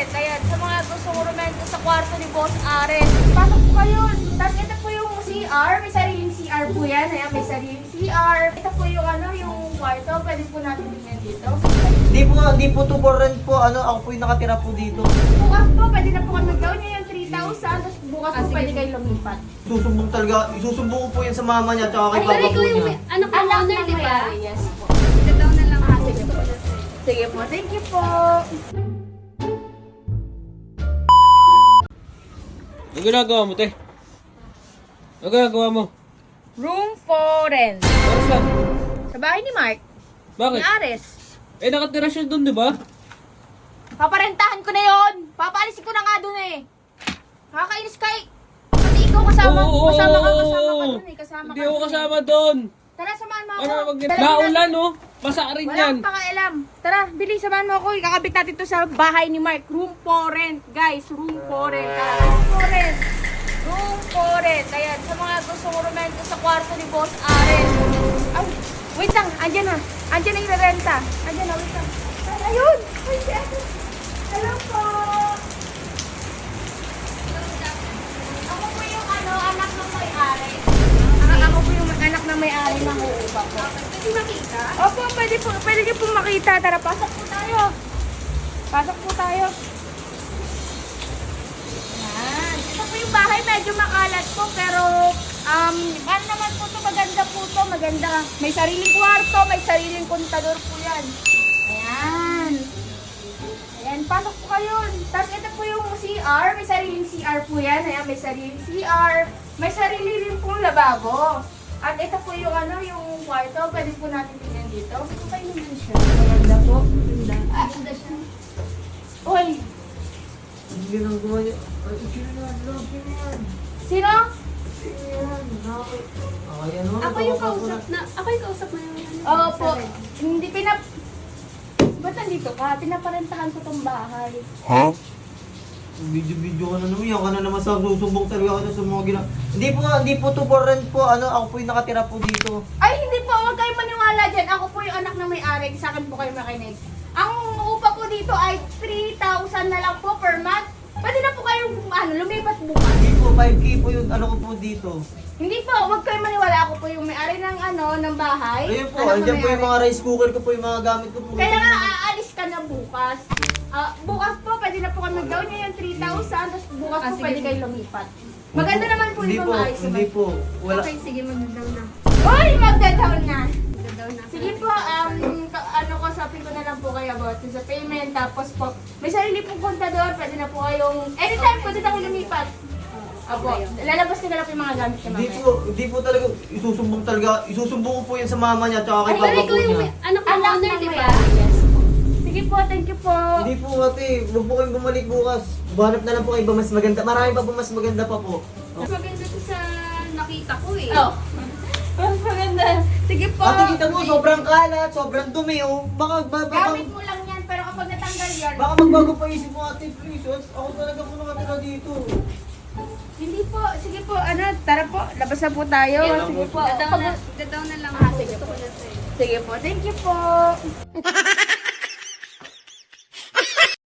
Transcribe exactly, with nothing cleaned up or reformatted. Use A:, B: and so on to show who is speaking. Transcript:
A: Foreign. Ayan, sa mga gusto rumento sa kwarto ni Boss Ares. Pasok po kayo. Tapos ito po yung C R. May sariling C R po yan. Ayan, may sariling C R. Ito po yung ano, yung kwarto. Pwede po natin tingnan dito.
B: Hindi po, hindi po to for rent po. Ano, ako po yung nakatira po dito.
A: Bukas po, pwede na po kami mag-down niya yung three thousand. Tapos bukas po pwede kayo lumipat.
B: Susumbong talaga, isusumbong ko po yan sa mama niya at kay
A: Ay,
B: papa
C: Pero
B: po
C: ikaw yung
B: niya.
C: may- anak ng
A: Anak
C: owner,
A: ng
C: di ba?
A: may-ari, yes po.
C: Gadaw na lang ako.
A: Sige po. Sige po, thank you po.
D: Ano ginagawa mo, te? Ano ginagawa mo?
A: Room for rent.
D: Para saan?
A: Sa bahay ni Mark.
D: Bakit?
A: Ni Ares.
D: Eh, nakatira siya doon, di ba?
A: Paparentahan ko na yon. Papaalisin ko na nga dun eh. Nakakainis kay. Pati ikaw kasama.
D: Oo,
A: kasama ka,
D: oo,
A: kasama ka
D: oo.
A: dun eh. Kasama
D: Hindi
A: ka
D: ako
A: dun eh.
D: kasama doon.
A: Tara, samahan mo ako.
D: Ano, mag
A: Dala-
D: Naulan, oh. Basa rin
A: Wala
D: yan.
A: akong pakialam. Tara, bili, samahan mo ako. Ikakabit natin to sa bahay ni Mark. Room for rent, guys. Room for rent. Tara, room for rent. Room for rent. Ayan, sa mga gusto rumento sa kwarto ni Boss Ares. Ay, wait lang. Andyan na. Andyan na yung renta. Andyan na, wait lang. Ay, ayun. Ay, si Ate. Hello po. Ako po yung ano, anak ng may-ari. Ah, ako po yung anak ng may-ari ng uupa po. Pwede makita? Opo, pwede po. Pwede niyo po makita. Tara, pasok po tayo. Pasok po tayo. Yan. Ito po yung bahay. Medyo makalat po. Pero, um, ano naman po to? Maganda po to. Maganda. May sariling kwarto. May sariling kontador po yan. Ayan. Ayan, pasok po kayo. Tapos ito po yung C R. May sariling C R po yan. Ayan, may sariling C R. May sarili rin pong lababo. At ito po yung ano, yung kwarto. Pwede po natin tingnan dito. Okay naman siya. Maganda po. Maganda. Ah, maganda siya. Uy,
B: Hindi ginagawa niya. Ay, sino yan? Love yan.
A: sino?
B: Sino yan? Nakakay. Okay, ano?
C: Ako yung kausap na, ako yung kausap mo yung ano.
A: Oo po.
C: sabi.
A: Hindi pinap... Ba't nandito ka? Pinaparentahan ko tong bahay.
B: Video-video ka na naman. Yan ka na naman sa susumbong talaga ka na sa mga gina... Hindi po, hindi po to for rent po. Ano, ako po yung nakatira po dito.
A: Ay, hindi po. Huwag kayo maniwala dyan. Ako po yung anak ng may-ari. Sa akin po kayo makinig. Ang upa po dito ay three thousand na lang po per month. Pwede na po kayong ano, lumipat bukas.
B: Hindi po, five K po yung ano ko po dito.
A: Hindi po. Huwag kayo maniwala. Ako po yung may-ari ng ano, ng bahay.
B: Ayun po,
A: Anak ng
B: andyan po yung
A: may-ari.
B: mga rice cooker ko po, yung mga gamit ko po.
A: Kaya nga, aalis ka na bukas. Ah, bukas po, pwede na po kami mag-down niya yung three thousand. Tapos bukas
C: Ah,
A: po
C: sige
A: pwede
C: po.
A: kayo lumipat. Maganda naman po
B: Hindi
A: yung
B: po,
A: maayos
B: hindi
A: naman.
B: po. Wala.
C: Okay, sige, mag-down na.
A: Uy, magda-down na.
C: Mag-down na.
A: Sige po, um, ka- ano ko, sabi ko na lang po kayo about sa payment. Tapos po, may sarili pong kontador. Pwede na po kayong, anytime pwede na kayong lumipat. Opo, lalabas ko na lang po yung mga gamit niya
B: Hindi
A: mamaya.
B: po, hindi po talaga, isusumbong talaga, isusumbong ko po yan sa mama niya at kay
A: Ay,
B: papa
C: Pero
B: po
C: ikaw yung
B: niya.
C: may- anak ng
A: Anak
C: owner,
A: ng
C: di ba?
A: may-ari, yes po. Sige po, thank you po.
B: Hindi po ate, huwag po kayong bumalik bukas. Buhanap na lang po kayo iba mas maganda. Marami pa po mas maganda pa po.
C: Mas maganda to sa nakita ko eh.
A: Oh. Mas maganda. Sige po.
B: Ate, kita mo, sobrang kalat, sobrang dumi oh. Baka, ba, baka,
A: Gamit mo lang yan, pero kapag natanggal yan,
B: baka magbago pa isip mo ate, please. Ako talaga po nakatira dito.
A: hindi po. Sige po, ano, tara po, labas na po tayo. Sige po.
C: Gadaw na,
A: Pag-
C: gadaw na lang
A: Ah,
C: ako.
A: sige
C: Gusto
A: po.
C: ko na sa'yo.
A: Sige po, thank you po.